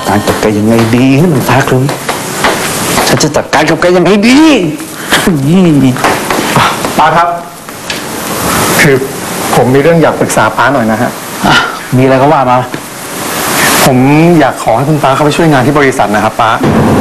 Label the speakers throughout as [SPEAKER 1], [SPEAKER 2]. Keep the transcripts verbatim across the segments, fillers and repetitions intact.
[SPEAKER 1] การกับแกยังไงดีน้ำตาครึ้มฉันจะจัดการกับแกยังไงดี
[SPEAKER 2] ป้าครับคือผมมีเรื่องอยากปรึกษาป้าหน่อยนะฮะ
[SPEAKER 1] มีอะไรก็ว่ามา
[SPEAKER 2] ผมอยากขอให้คุณป้าเข้าไปช่วยงานที่บริษัทนะครับป้า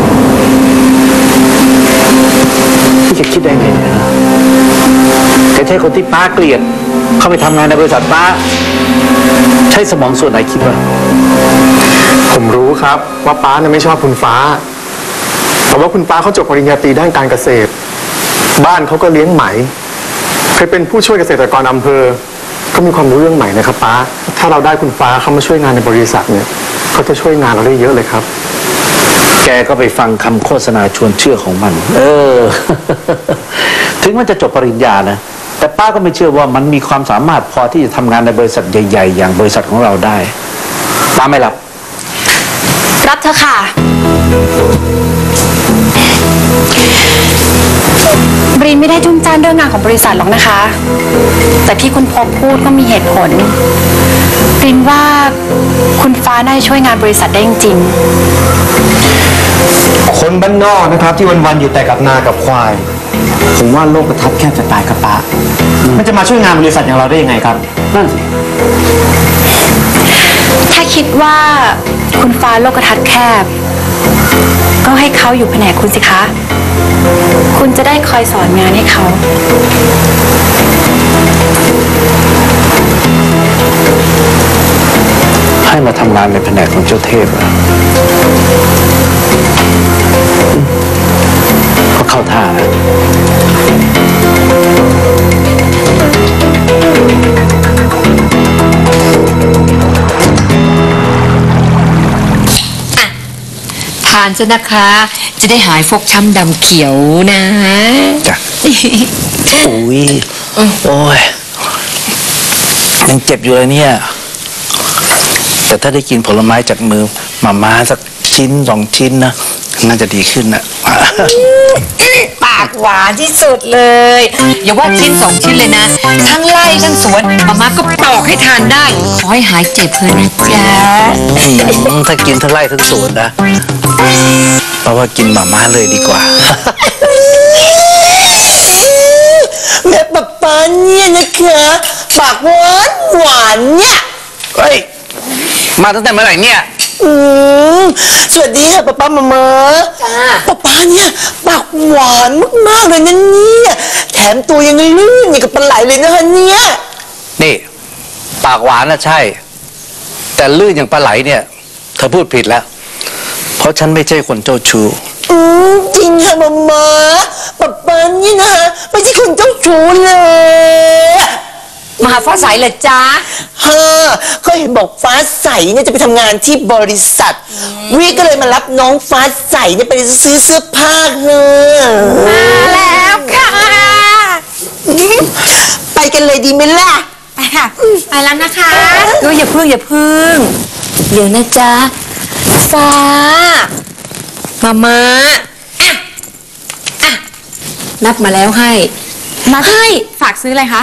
[SPEAKER 1] พี่จะคิดได้ไงเนี่ยแกใช่คนที่ป้าเกลียดเข้าไปทำงานในบริษัทป้าใช้สมองส่วนไหนคิดว่า
[SPEAKER 2] ผมรู้ครับว่าป้าเนี่ยไม่ชอบคุณฟ้าแต่ว่าคุณป้าเขาจบปริญญาตรีด้านการเกษตรบ้านเขาก็เลี้ยงไหมเคยเป็นผู้ช่วยเกษตรกรอำเภอก็มีความรู้เรื่องไหมนะครับป้าถ้าเราได้คุณฟ้าเข้ามาช่วยงานในบริษัทเนี่ยเขาจะช่วยงานเราได้เยอะเลยครับ
[SPEAKER 1] แกก็ไปฟังคำโฆษณาชวนเชื่อของมันเออ ถึงมันจะจบปริญญานะแต่ป้าก็ไม่เชื่อว่ามันมีความสามารถพอที่จะทำงานในบริษัทใหญ่ๆอย่างบริษัทของเราได้ป้าไม่รับ
[SPEAKER 3] รับเธอค่ะบรินไม่ได้จุ้มจ้านเรื่องงานของบริษัทหรอกนะคะแต่ที่คุณพบพูดก็มีเหตุผลบรินว่าคุณฟ้าน่าจะช่วยงานบริษัทได้จริง
[SPEAKER 4] ๆคนบ้านนอกนะครับที่วันๆอยู่แต่กับนากับควายผมว่าโลกกระทัดแคบจะตายกับป้ามันจะมาช่วยงานบริษัทอย่างเราได้ยังไงครับนั่นสิ
[SPEAKER 3] ถ้าคิดว่าคุณฟ้าโลกทัศน์แคบก็ให้เขาอยู่แผนกคุณสิคะคุณจะได้คอยสอนงานให้เขา
[SPEAKER 1] ให้มาทำงานในแผนกของเจ้าเทพอะก็เข้าท่านะ
[SPEAKER 5] ทานซะนะคะจะได้หายฟกช้ำดำเขียวนะ
[SPEAKER 1] จ้ะโอ้ยโอ้ยยังเจ็บอยู่เลยเนี่ยแต่ถ้าได้กินผลไม้จากมือมาม่าสักชิ้นสองชิ้นนะน่าจะดีขึ้นนะ
[SPEAKER 5] ปากหวานที่สุดเลยอย่าว่าชิ้นสองชิ้นเลยนะทั้งไร่ทั้งสวนมาม่าก็ปอกให้ทานได้ขอให้หายเจ็บเลยนะจ๊ะ
[SPEAKER 1] ถ้ากินทั้งไร่ทั้งสวนนะเพราะว่ากินมาม่าเลยดีกว่า
[SPEAKER 6] แม่ป๊าป๊าเนี่ยนะคะปากหวานหวานเนี่ย
[SPEAKER 1] เฮ้ยมาตั้งแต่เมื่อไหร่เนี่ย
[SPEAKER 6] อืมสวัสดีค่ะป๊าป๊ามามาจ้าป๊าป๊าเนี่ยปากหวานมากๆเลยนะเนี่ยแถมตัวยังลื่นอย่างกับปลาไหลเลยนะคะเนี่ย
[SPEAKER 1] นี่ปากหวานนะใช่แต่ลื่นอย่างปลาไหลเนี่ยเธอพูดผิดแล้วเพราะฉันไม่ใช่คนเจ้าชู้
[SPEAKER 6] อืมจริงค่ะมามาป๊าป๊านี่นะคะไม่ใช่คนเจ้าชู้เลย
[SPEAKER 5] มาหาฟ้าใสเหรอจ๊ะ
[SPEAKER 6] ฮะก็เห็นบอกฟ้าใสเนี่ยจะไปทำงานที่บริษัทวิก็เลยมารับน้องฟ้าใสเนี่ยไปซื้อเสื้อผ้าเฮ้
[SPEAKER 5] มาแล้วค่ะ
[SPEAKER 6] ไปกันเลยดีไหมล่ะ
[SPEAKER 5] ไปค่ะไปแล้วนะคะดูอย่าพึ่งอย่าพึ่งเดี๋ยวนะจ๊ะฟ้ามามาอ่ะอ่ะนับมาแล้วให้
[SPEAKER 3] มาให้ฝากซื้ออะไรคะ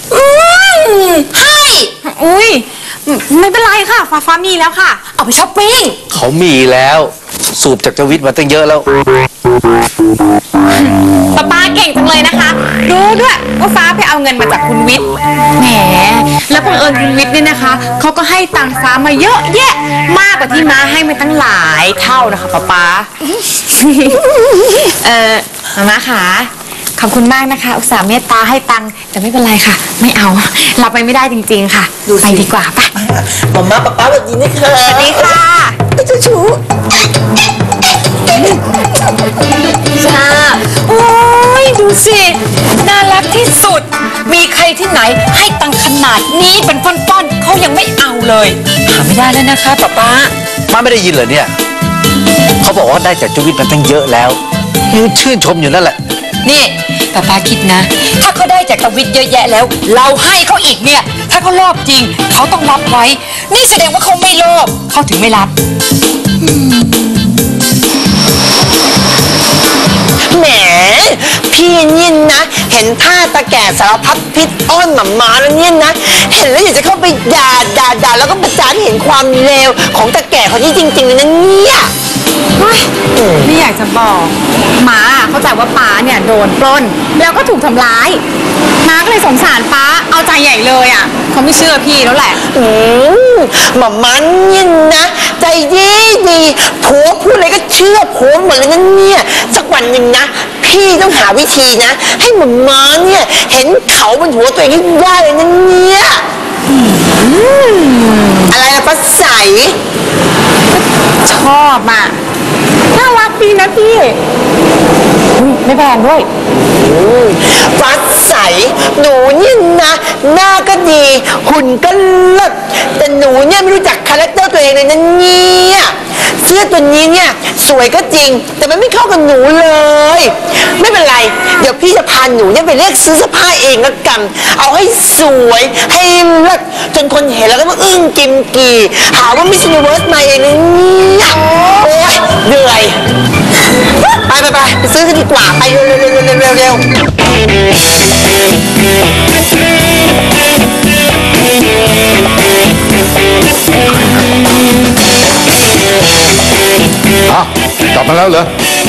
[SPEAKER 5] ให้
[SPEAKER 3] อุ้ยไม่เป็นไรค่ะฟ้าฟ้ามีแล้วค่ะ
[SPEAKER 5] เอาไปช้อปปิ้ง
[SPEAKER 1] เขามีแล้วสูบจากเจ้าวิทย์มาตั้งเยอะแล้ว
[SPEAKER 3] ป้าป้าเก่งจังเลยนะคะรู้ด้วยว่าฟ้าไปเอาเงินมาจากคุณวิทย์แหมแล้วบังเอิญคุณวิทย์นี่นะคะเขาก็ให้ตังฟ้ามาเยอะแยะมากกว่าที่ม้าให้มาตั้งหลายเท่านะคะป้าป้าเออมาม่าค่ะขอบคุณมากนะคะอุตส่าห์เมตตาให้ตังค์แต่ไม่เป็นไรค่ะไม่เอารับไปไม่ได้จริงๆค่ะไปดีกว่าป่ะ
[SPEAKER 6] มาม่าป๊าป๊าสวัสดีนะคะ
[SPEAKER 3] สวัสดีค่ะ
[SPEAKER 6] ไอ้เจ้าชู้
[SPEAKER 5] จ้าโอ้ยดูสิน่ารักที่สุดมีใครที่ไหนให้ตังค์ขนาดนี้เป็นฟ่อนๆเขายังไม่เอาเลยหาไม่ได้แล้วนะคะป๊าป๊า
[SPEAKER 1] มาไม่ได้ยินเหรอเนี่ยเขาบอกว่าได้จากเจ้าวิทย์มาตั้งเยอะแล้วยังชื่นชมอยู่นั่นแหละ
[SPEAKER 5] นี่ป้าป้าคิดนะถ้าเขาได้จากตวิทย์เยอะแยะแล้วเราให้เขาอีกเนี่ยถ้าเขารอบจริงเขาต้องรับไว้นี่แสดงว่าเขาไม่รอบเขาถึงไม่รับ
[SPEAKER 6] แหมพี่เนี่ยนะเห็นท่าตาแก่สารพัดพิษอ้อนหมามาแล้วเนี่ยนะเห็นแล้วอยากจะเข้าไปด่าด่าด่าแล้วก็ประจานให้เห็นความเลวของตาแก่คนนี้จริงๆเลยนะเนี่ย
[SPEAKER 3] เฮ้ยไม่อยากจะบอกหมาเข้าใจว่าป้าเนี่ยโดนปล้นแล้วก็ถูกทำร้ายม้าก็เลยสงสารป้าเอาใจใหญ่เลยอ่ะเขาไม่เชื่อพี่แล้วแหละ
[SPEAKER 6] อืมหม่อมันเนี่ยนะใจดีดีผัวพูดอะไรก็เชื่อผัวหมดเลยนะเนี่ยสักวันหนึ่งนะพี่ต้องหาวิธีนะ ให้หม่อมันเนี่ยเห็นเขาบนหัวตัวเองให้ได้เลยนะเนี่ยอะไรนะป้าใส
[SPEAKER 3] ชอบอ่ะน่ารักดีนะพี่อุ๊ยไม่แพงด้วย
[SPEAKER 6] ฟ้าใสหนูเนี่ยนะหน้าก็ดีหุ่นก็เลิศแต่หนูเนี่ยไม่รู้จักคาแรคเตอร์ตัวเองเลยนะเนี่ยเสื้อตัวนี้เนี่ยสวยก็จริงแต่มันไม่เข้ากับหนูเลย ไม่เป็นไรเดี๋ยวพี่จะพาหนูเนี่ยไปเลือกซื้อเสื้อผ้าเองละกันเอาให้สวยให้เลิศจนคนเห็นแล้วก็มาอึ้งกิมกีหาว่ามิสยูนิเวิร์สมาเองเลยเนี่ยโอ๊ยเหนื่อยไปไปไปไปซื้อกันดีกว่าไปเร็วเร็วเร็วเร็วเร็วเร็ว
[SPEAKER 7] อ้าวกลับมาแล้วเหรอ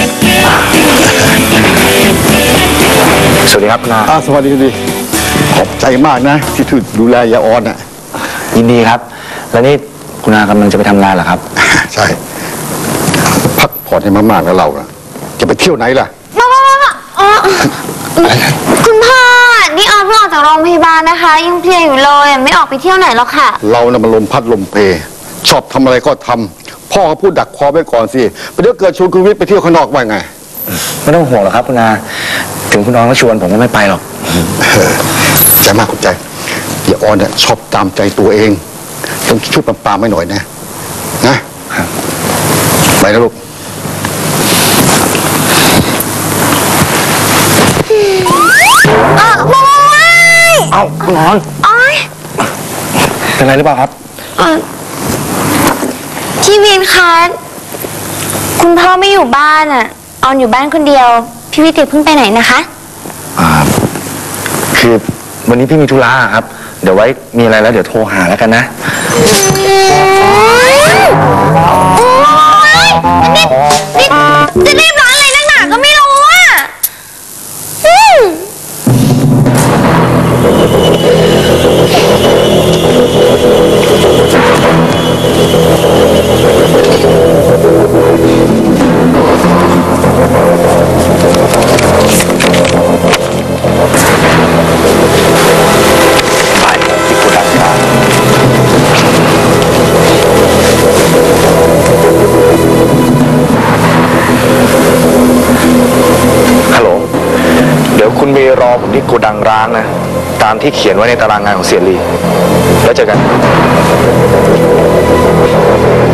[SPEAKER 2] สวัสดีครับคุณอา
[SPEAKER 7] อ้าวสวัสดีดีขอบใจมากนะ ที่ช่วยดูแลยาออนอ่ะ
[SPEAKER 2] ยินดีครับ แล้วนี่คุณอากำลังจะไปทำงานเหรอครับ
[SPEAKER 7] ใช่ พักผ่อนให้มากๆแล้วเราอะจะไปเที่ยวไหนล่ะ
[SPEAKER 8] มามามามาอ๋อคุณพ่อ นี่ออมเพิ่งออกจากโรงพยาบาลนะคะ ยังเพลียอยู่เลยไม่ออกไปเที่ยวไหนหรอกค่ะ
[SPEAKER 7] เราน่ะมันลมพัดลมเพ ชอบทำอะไรก็ทำพ่อก็พูดดักคอไว้ก่อนสิไปเดี๋ยวเกิดชวนคุณวิทย์ไปเที่ยวข้างนอกว่าไง
[SPEAKER 2] ไม่ต้องห่วงหรอกครับคุณอาถึงคุณน้องก็ชวนผมก็ไม่ไปหรอก
[SPEAKER 7] ใจมากคุณใจยาออนเนี่ยชอบตามใจตัวเองต้องช่วยปรามๆไม่หน่อยนะนะไปนะลูก
[SPEAKER 8] เออมามาไม่
[SPEAKER 2] เอาคุณน้อง
[SPEAKER 8] อ๋อย
[SPEAKER 2] เป็นไรหรือเปล่าครับ
[SPEAKER 8] เออพี่วินคะคุณพ่อไม่อยู่บ้านอ่ะ ออนอยู่บ้านคนเดียว พี่วิทย์เพิ่งไปไหนนะคะ
[SPEAKER 2] อ่า คือวันนี้พี่มีธุระครับ เดี๋ยวไว้มีอะไรแล้วเดี๋ยวโทรหาแล้วกันนะ
[SPEAKER 8] นี่นี่จะรีบร้อนอะไรนักหนาก็ไม่รู้อ่ะอืม
[SPEAKER 2] ฮัลโหล เดี๋ยวคุณเมย์รอผมที่โกดังร้างนะ ตามที่เขียนไว้ในตารางงานของเสียรี แล้วเจอกัน